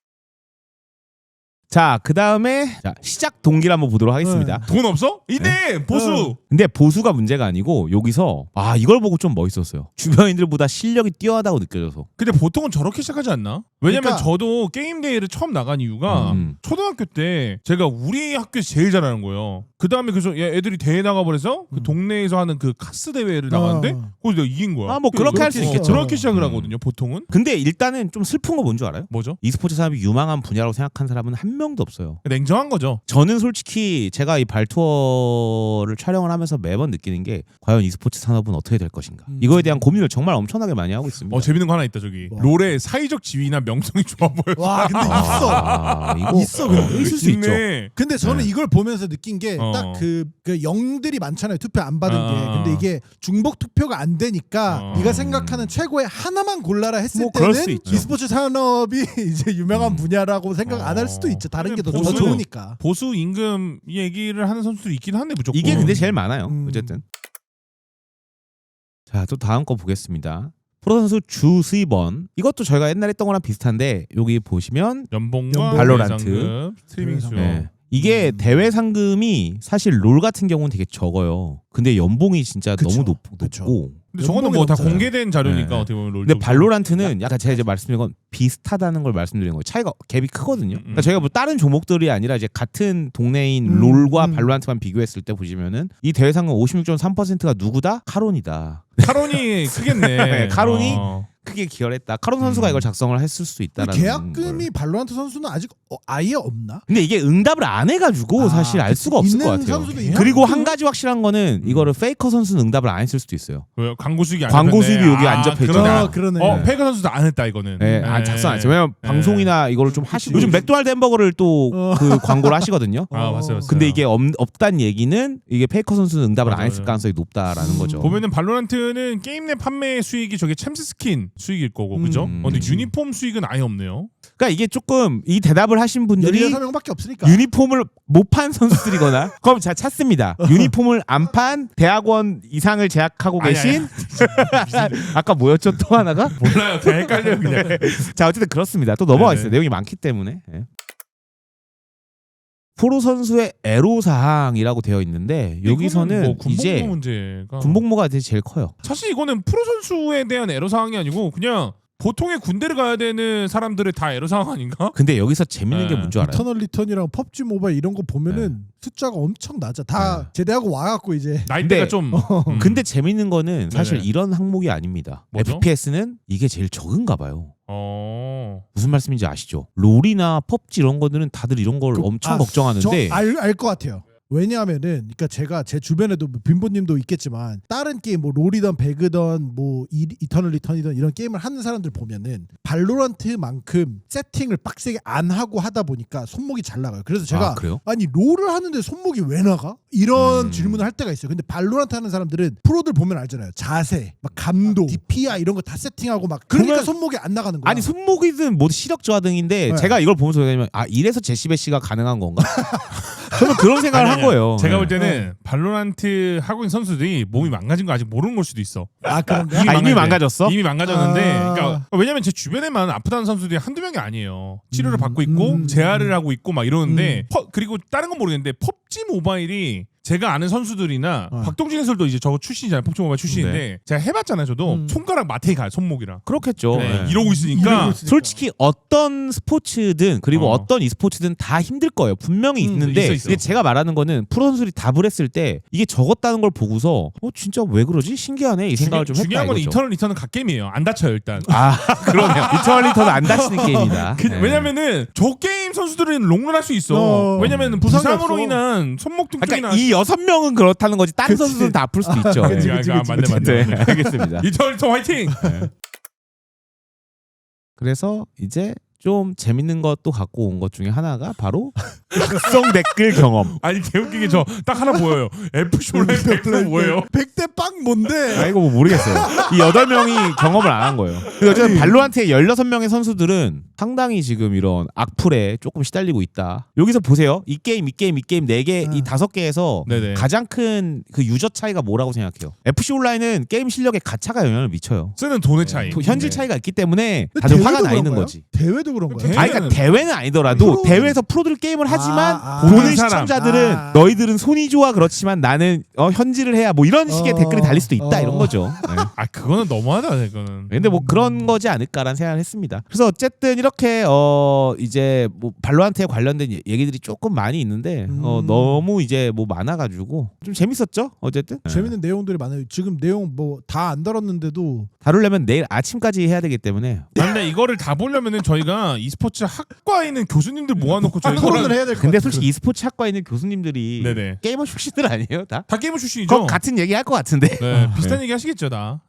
Speaker 3: 자, 그 다음에 시작 동기를 한번 보도록 하겠습니다.
Speaker 1: 돈 없어? 이네 보수.
Speaker 3: 근데 보수가 문제가 아니고 여기서 아 이걸 보고 좀 멋있었어요. 주변인들보다 실력이 뛰어나다고 느껴져서.
Speaker 1: 근데 보통은 저렇게 시작하지 않나? 왜냐면
Speaker 2: 그러니까-
Speaker 1: 저도 게임 대회를 처음 나간 이유가
Speaker 3: 음.
Speaker 1: 초등학교 때 제가 우리 학교에서 제일 잘하는 거예요. 그 다음에 그래서 얘 애들이 대회 나가버려서 그
Speaker 2: 음.
Speaker 1: 동네에서 하는 그 카스 대회를 나갔는데
Speaker 2: 어.
Speaker 1: 거기서 내가 이긴 거야.
Speaker 3: 아, 뭐 그렇게 할수
Speaker 1: 어,
Speaker 3: 있겠죠.
Speaker 1: 그렇게 시작을
Speaker 3: 음.
Speaker 1: 하거든요. 보통은.
Speaker 3: 근데 일단은 좀 슬픈 거 뭔 줄 알아요?
Speaker 1: 뭐죠?
Speaker 3: e스포츠 산업이 유망한 분야라고 생각한 사람은 한 명도 없어요.
Speaker 1: 냉정한 거죠.
Speaker 3: 저는 솔직히 제가 이 발투어를 촬영을 하면서 매번 느끼는 게 과연 e스포츠 산업은 어떻게 될 것인가.
Speaker 2: 음.
Speaker 3: 이거에 대한 고민을 정말 엄청나게 많이 하고 있습니다.
Speaker 1: 어 재밌는 거 하나 있다 저기.
Speaker 2: 뭐?
Speaker 1: 롤의 사회적 지위나 명성이 좋아 보여.
Speaker 2: 와 근데 있어.
Speaker 3: 아, 이거
Speaker 2: 있어, 근데.
Speaker 3: 있을 수 있죠.
Speaker 1: 있네.
Speaker 2: 근데 저는
Speaker 3: 네.
Speaker 2: 이걸 보면서 느낀 게
Speaker 1: 어.
Speaker 2: 딱 그 그 영들이 많잖아요. 투표 안 받은
Speaker 1: 어.
Speaker 2: 게. 근데 이게 중복 투표가 안 되니까
Speaker 1: 어.
Speaker 2: 네가 생각하는 최고의 하나만 골라라 했을
Speaker 3: 뭐 그럴 수
Speaker 2: 때는
Speaker 3: 있죠.
Speaker 2: e스포츠 산업이 이제 유명한
Speaker 3: 음.
Speaker 2: 분야라고 생각 안 할
Speaker 1: 어.
Speaker 2: 수도 있죠. 다른 게 더
Speaker 1: 보수-
Speaker 2: 좋으니까.
Speaker 1: 보수 임금 얘기를 하는 선수들이 있긴 한데 무조건.
Speaker 3: 이게 근데 제일 많아요.
Speaker 2: 음.
Speaker 3: 어쨌든. 자, 또 다음 거 보겠습니다. 프로 선수 주수입원. 이것도 저희가 옛날에 했던 거랑 비슷한데 여기 보시면
Speaker 1: 연봉과
Speaker 2: 연봉.
Speaker 3: 발로란트.
Speaker 1: 대상금, 스트리밍 수.
Speaker 3: 네. 이게
Speaker 2: 음.
Speaker 3: 대회 상금이 사실 롤 같은 경우는 되게 적어요. 근데 연봉이 진짜
Speaker 2: 그쵸.
Speaker 3: 너무 높,
Speaker 2: 그쵸.
Speaker 3: 높고.
Speaker 1: 근데 저거는 뭐 다
Speaker 2: 연봉이
Speaker 1: 공개된 자료니까
Speaker 3: 네.
Speaker 1: 어떻게 보면 롤.
Speaker 3: 근데
Speaker 1: 쪽은.
Speaker 3: 발로란트는 약간 제가 이제 말씀드린 건 비슷하다는 걸 말씀드리는 거예요. 차이가 갭이 크거든요.
Speaker 1: 음, 음.
Speaker 3: 그러니까 저희가 뭐 다른 종목들이 아니라 이제 같은 동네인
Speaker 2: 음,
Speaker 3: 롤과
Speaker 2: 음.
Speaker 3: 발로란트만 비교했을 때 보시면은 이 대회 상금 오십육 점 삼 퍼센트가 누구다? 카론이다.
Speaker 1: 카론이 크겠네.
Speaker 3: 네, 카론이
Speaker 1: 어.
Speaker 3: 크게 기여했다. 카론 선수가
Speaker 1: 음.
Speaker 3: 이걸 작성을 했을 수 있다라는
Speaker 2: 계약금이
Speaker 3: 걸.
Speaker 2: 발로란트 선수는 아직 어, 아예 없나?
Speaker 3: 근데 이게 응답을 안 해가지고
Speaker 2: 아,
Speaker 3: 사실 알 수가 없을
Speaker 2: 있는
Speaker 3: 것 같아요.
Speaker 2: 선수도 있나?
Speaker 3: 그리고 한 가지 확실한 거는 이거를 페이커 선수는 응답을 안 했을 수도 있어요.
Speaker 1: 왜요? 광고 수익이 안
Speaker 3: 광고
Speaker 1: 잡혔네.
Speaker 3: 수입이 여기 안
Speaker 1: 아,
Speaker 3: 잡혀
Speaker 1: 그러네.
Speaker 3: 있잖아.
Speaker 2: 어, 그러네.
Speaker 1: 어, 페이커 선수도 안 했다 이거는.
Speaker 3: 네, 안 작성 안 했어요. 왜냐면
Speaker 1: 네.
Speaker 3: 방송이나 이거를 좀 하시고 요즘
Speaker 2: 그치.
Speaker 3: 맥도날드 햄버거를 또
Speaker 2: 어.
Speaker 3: 그 광고를 하시거든요.
Speaker 1: 아, 맞아요, 맞아요.
Speaker 3: 근데 이게 없, 없단 얘기는 이게 페이커 선수는 응답을 안
Speaker 1: 맞아요,
Speaker 3: 했을
Speaker 1: 맞아요.
Speaker 3: 가능성이 높다라는
Speaker 2: 음.
Speaker 3: 거죠.
Speaker 1: 보면은 발로란트는 게임 내 판매 수익이 저게 챔스 스킨 수익일 거고 그죠?
Speaker 3: 음.
Speaker 1: 어, 근데 유니폼 수익은 아예 없네요.
Speaker 3: 그러니까 이게 조금 이 대답을 하신 분들이
Speaker 2: 열여섯 명밖에 없으니까.
Speaker 3: 유니폼을 못 판 선수들이거나 그럼 자 찾습니다. 유니폼을 안 판 대학원 이상을 재학하고
Speaker 1: 아니,
Speaker 3: 계신 아까 뭐였죠 또 하나가?
Speaker 1: 몰라요. 다 헷갈려요 그냥.
Speaker 3: 자 어쨌든 그렇습니다. 또 넘어가
Speaker 1: 네.
Speaker 3: 있어요. 내용이 많기 때문에. 예. 프로 선수의 애로 사항이라고 되어 있는데 여기서는
Speaker 1: 뭐 군복무
Speaker 3: 이제
Speaker 1: 문제가
Speaker 3: 군복무가 되게 제일 커요.
Speaker 1: 사실 이거는 프로 선수에 대한 애로 사항이 아니고 그냥 보통의 군대를 가야 되는 사람들의 다 애로 사항 아닌가?
Speaker 3: 근데 여기서 재밌는 게
Speaker 1: 네.
Speaker 3: 뭔지 알아요?
Speaker 2: 이터널 리턴이랑 펍지 모바일 이런 거 보면은 숫자가 엄청 낮아. 다
Speaker 3: 네.
Speaker 2: 제대하고 와갖고 이제
Speaker 1: 나이대가
Speaker 3: 근데-
Speaker 1: 좀. 음.
Speaker 3: 근데 재밌는 거는 사실
Speaker 1: 네네.
Speaker 3: 이런 항목이 아닙니다.
Speaker 1: 뭐죠?
Speaker 3: 에프피에스는 이게 제일 적은가 봐요.
Speaker 1: 어.
Speaker 3: 무슨 말씀인지 아시죠? 롤이나 펍지 이런 거들은 다들 이런 걸
Speaker 2: 그-
Speaker 3: 엄청
Speaker 2: 아,
Speaker 3: 걱정하는데
Speaker 2: 저알알 것 같아요. 왜냐하면은 그러니까 제가 제 주변에도 뭐 빈보님도 있겠지만 다른 게임 뭐 롤이던 배그던 뭐 이, 이터널 리턴이던 이런 게임을 하는 사람들 보면은 발로란트만큼 세팅을 빡세게 안 하고 하다 보니까 손목이 잘 나가요. 그래서 제가
Speaker 3: 아, 그래요?
Speaker 2: 아니 롤을 하는데 손목이 왜 나가? 이런
Speaker 3: 음.
Speaker 2: 질문을 할 때가 있어요. 근데 발로란트 하는 사람들은 프로들 보면 알잖아요. 자세, 막 감도, 디피아이 이런 거 다 세팅하고 막 그러니까
Speaker 3: 그러면-
Speaker 2: 손목이 안 나가는 거야.
Speaker 3: 아니 손목이든 뭐 시력 저하 등인데
Speaker 2: 네.
Speaker 3: 제가 이걸 보면서 왜냐면 아 이래서 제시베시가 가능한 건가? 저는 그런 생각을
Speaker 1: 아니,
Speaker 3: 한
Speaker 1: 아니야.
Speaker 3: 거예요.
Speaker 1: 제가
Speaker 3: 네.
Speaker 1: 볼 때는 발로란트 하고 있는 선수들이 몸이 망가진 거 아직 모르는 걸 수도 있어.
Speaker 2: 아 그런가?
Speaker 3: 아, 이미
Speaker 1: 망가졌대.
Speaker 3: 망가졌어?
Speaker 1: 이미 망가졌는데,
Speaker 2: 아.
Speaker 1: 그러니까 왜냐면 제 주변에만 아프다는 선수들이 한두 명이 아니에요. 치료를
Speaker 2: 음,
Speaker 1: 받고 있고
Speaker 2: 음,
Speaker 1: 재활을 하고 있고 막 이러는데
Speaker 2: 음.
Speaker 1: 퍼- 그리고 다른 건 모르겠는데 펍지 모바일이 제가 아는 선수들이나
Speaker 2: 어.
Speaker 1: 박동진 해설도 이제 저거 출신이잖아요. 펍지 모바일 출신인데 제가 해봤잖아요. 저도
Speaker 2: 음.
Speaker 1: 손가락 마테이 가요. 손목이랑.
Speaker 3: 그렇겠죠.
Speaker 1: 네,
Speaker 3: 네.
Speaker 1: 이러고 있으니까
Speaker 2: 이러고 있으니까.
Speaker 3: 솔직히 어떤 스포츠든 그리고
Speaker 1: 어.
Speaker 3: 어. 떤 e스포츠든 다 힘들 거예요. 분명히
Speaker 2: 음,
Speaker 3: 있는데
Speaker 1: 있어, 있어.
Speaker 3: 근데 제가 말하는 거는 프로 선수들이 답을 했을 때 이게 적었다는 걸 보고서 어 진짜 왜 그러지? 신기하네 이 생각을 좀
Speaker 1: 중요,
Speaker 3: 했다
Speaker 1: 중요한 건
Speaker 3: 이거죠.
Speaker 1: 이터널 리턴은 갓게임이에요. 안 다쳐요 일단.
Speaker 3: 아 그러네요. 이터널리터는 안 다치는 게임이다.
Speaker 1: 그-
Speaker 3: 네.
Speaker 1: 왜냐면은 저 게임 선수들은 롱런 할 수 있어.
Speaker 2: 어.
Speaker 1: 왜냐면은
Speaker 2: 부상이
Speaker 1: 부상으로
Speaker 2: 없어.
Speaker 1: 인한 손목 통증이나
Speaker 3: 그러니까 이 여섯 명은 그렇다는 거지 다른
Speaker 2: 그치.
Speaker 3: 선수들은 다 아플 수도 있죠.
Speaker 1: 그치,
Speaker 3: 네.
Speaker 1: 그치, 그치, 맞네, 맞네,
Speaker 3: 네, 알겠습니다.
Speaker 1: 이터널 리턴 화이팅.
Speaker 3: 그래서 이제 좀 재밌는 것도 갖고 온 것 중에 하나가 바로 각성 댓글 경험.
Speaker 1: 아니 개웃기게 저 딱 하나 보여요. 에프씨 온라인 백플 뭐예요?
Speaker 2: 백 대 빵 뭔데?
Speaker 3: 아 이거 뭐 모르겠어요. 이 여덟 명이 경험을 안 한 거예요. 근데 어쨌든 발로란트의 열여섯 명의 선수들은 상당히 지금 이런 악플에 조금 시달리고 있다. 여기서 보세요. 이 게임, 이 게임, 이 게임 네 개, 이
Speaker 2: 아.
Speaker 3: 다섯 개에서
Speaker 1: 네네.
Speaker 3: 가장 큰 그 유저 차이가 뭐라고 생각해요? 에프씨 온라인은 게임 실력에 가차가 영향을 미쳐요.
Speaker 1: 쓰는 돈의 차이.
Speaker 3: 도- 현질
Speaker 1: 네.
Speaker 3: 차이가 있기 때문에
Speaker 2: 근데
Speaker 3: 다들
Speaker 2: 대회도
Speaker 3: 화가 나
Speaker 2: 그런
Speaker 3: 있는
Speaker 2: 거예요?
Speaker 3: 거지.
Speaker 2: 대회도 그런 거야.
Speaker 1: 대회-
Speaker 3: 아니 그러니까 대회는 아니더라도
Speaker 2: 프로는-
Speaker 3: 대회에서 프로들 게임을 하지만
Speaker 2: 아, 아.
Speaker 3: 보는
Speaker 1: 보는 사람.
Speaker 3: 시청자들은
Speaker 2: 아.
Speaker 3: 너희들은 손이 좋아 그렇지만 나는 어, 현질을 해야 뭐 이런 식의
Speaker 2: 어.
Speaker 3: 댓글이 달릴 수도 있다
Speaker 2: 어.
Speaker 3: 이런 거죠. 네.
Speaker 1: 아 그거는 너무하다 이거는.
Speaker 3: 근데 뭐 그런 거지 않을까라는 생각을 했습니다. 그래서 어쨌든 이렇게 어 이제 뭐 발로란트에 관련된 얘- 얘기들이 조금 많이 있는데 어
Speaker 2: 음.
Speaker 3: 너무 이제 뭐 많아가지고 좀 재밌었죠 어쨌든. 네.
Speaker 2: 재밌는 내용들이 많아요. 지금 내용 뭐 다 안 다뤘는데도
Speaker 3: 다루려면 내일 아침까지 해야 되기 때문에
Speaker 1: 아, 근데 이거를 다 보려면은 저희가 e스포츠 학과에 있는 교수님들 모아놓고 저희
Speaker 2: 토론을
Speaker 1: 이거를
Speaker 2: 해야 될 것
Speaker 3: 근데
Speaker 2: 같아요.
Speaker 3: 솔직히 e스포츠 학과에 있는 교수님들이
Speaker 1: 네네.
Speaker 3: 게이머 출신들 아니에요 다?
Speaker 1: 다 게이머 출신이죠.
Speaker 3: 그럼 같은 얘기 할 것 같은데.
Speaker 1: 네, 비슷한 얘기 하시겠죠 다.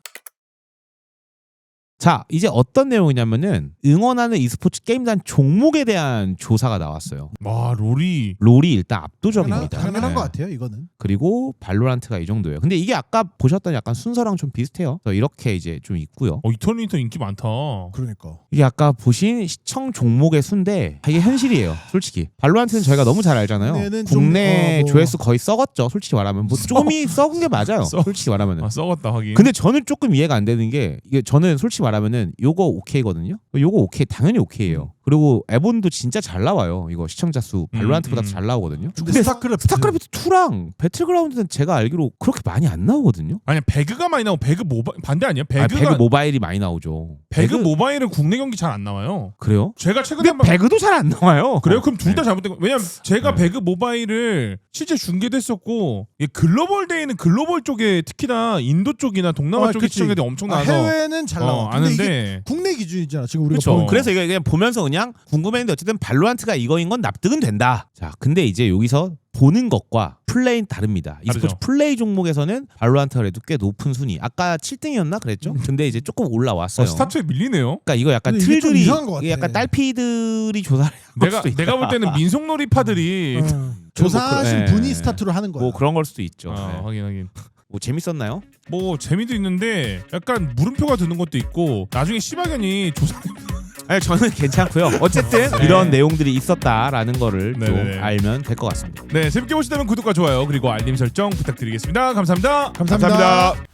Speaker 3: 자 이제 어떤 내용이냐면은 응원하는 e스포츠 게임단 종목에 대한 조사가 나왔어요.
Speaker 1: 와 롤이
Speaker 3: 롤이 일단
Speaker 2: 당연한,
Speaker 3: 압도적입니다.
Speaker 2: 당연한
Speaker 3: 네.
Speaker 2: 것 같아요. 이거는.
Speaker 3: 그리고 발로란트가 이 정도예요. 근데 이게 아까 보셨던 약간 순서랑 좀 비슷해요. 그래서 이렇게 이제 좀 있고요.
Speaker 1: 어, 이터널 리턴 인기 많다.
Speaker 2: 그러니까.
Speaker 3: 이게 아까 보신 시청 종목의 수인데 이게 현실이에요. 솔직히 발로란트는 저희가 너무 잘 알잖아요.
Speaker 2: 국내는 좀,
Speaker 3: 국내
Speaker 2: 어, 뭐.
Speaker 3: 조회수 거의 썩었죠. 솔직히 말하면 뭐 조금이 썩은 게 맞아요.
Speaker 1: 썩-
Speaker 3: 솔직히 말하면은.
Speaker 1: 아 썩었다 하긴.
Speaker 3: 근데 저는 조금 이해가 안 되는 게 이게 저는 솔직히 말하면은 요거 오케이거든요. 요거 오케이 당연히 오케이예요. 그리고 에본도 진짜 잘 나와요. 이거 시청자 수 발로란트보다
Speaker 1: 음, 음.
Speaker 3: 잘 나오거든요.
Speaker 2: 근데
Speaker 3: 근데
Speaker 2: 스타크래프트
Speaker 3: 스타크래프트 투랑 배틀그라운드는 제가 알기로 그렇게 많이 안 나오거든요.
Speaker 1: 아니 배그가 많이 나오고 배그 모바 반대 아니야?
Speaker 3: 배그가
Speaker 1: 배그가
Speaker 3: 배그 모바일이 많이 나오죠.
Speaker 1: 배그 모바일은 국내 경기 잘 안 나와요.
Speaker 3: 그래요?
Speaker 1: 제가 최근에
Speaker 3: 근데
Speaker 1: 한번
Speaker 3: 배그도 잘 안 나와요.
Speaker 1: 그래요? 그럼 둘 다
Speaker 3: 네.
Speaker 1: 잘못된 거. 왜냐면 제가
Speaker 3: 네.
Speaker 1: 배그 모바일을 실제 중계도 했었고 이 글로벌 대회는 글로벌 쪽에 특히나 인도 쪽이나 동남아
Speaker 2: 아,
Speaker 1: 쪽에
Speaker 2: 그치.
Speaker 1: 시청자들이 엄청
Speaker 2: 아,
Speaker 1: 나와서
Speaker 2: 해외는 잘
Speaker 1: 어,
Speaker 2: 나와. 근데 이게
Speaker 1: 아는데
Speaker 2: 국내 기준이잖아. 지금 우리가
Speaker 1: 그쵸.
Speaker 2: 보는 거.
Speaker 3: 그래서 이거 그냥 보면서 그냥 궁금했는데 어쨌든 발로란트가 이거인 건 납득은 된다. 자, 근데 이제 여기서 보는 것과 플레이는 다릅니다. e스포츠
Speaker 1: 다르죠.
Speaker 3: 플레이 종목에서는 발로란트가 그래도 꽤 높은 순위. 아까 칠 등이었나 그랬죠? 근데 이제 조금 올라왔어요.
Speaker 1: 어, 스타트에 밀리네요.
Speaker 3: 그러니까 이거 약간
Speaker 2: 근데 이게 좀
Speaker 3: 틀들이
Speaker 2: 이상한 것 같아.
Speaker 3: 이게 약간 딸피들이 조사를 한
Speaker 1: 내가
Speaker 3: 수도 있다.
Speaker 1: 내가 볼 때는 민속놀이파들이
Speaker 2: 어. 조사하신
Speaker 3: 뭐 그-
Speaker 2: 분이
Speaker 3: 예.
Speaker 2: 스타트로 하는 거야.
Speaker 3: 뭐 그런 걸 수도 있죠.
Speaker 1: 아,
Speaker 3: 네.
Speaker 1: 하긴 하긴.
Speaker 3: 뭐 재밌었나요?
Speaker 1: 뭐 재미도 있는데 약간 물음표가 드는 것도 있고 나중에 시바견이 조사
Speaker 3: 아니 저는 괜찮고요. 어쨌든
Speaker 1: 네.
Speaker 3: 이런 내용들이 있었다라는 거를
Speaker 1: 네네네.
Speaker 3: 좀 알면 될 것 같습니다.
Speaker 1: 네 재밌게 보시다면 구독과 좋아요 그리고 알림 설정 부탁드리겠습니다. 감사합니다.
Speaker 2: 감사합니다.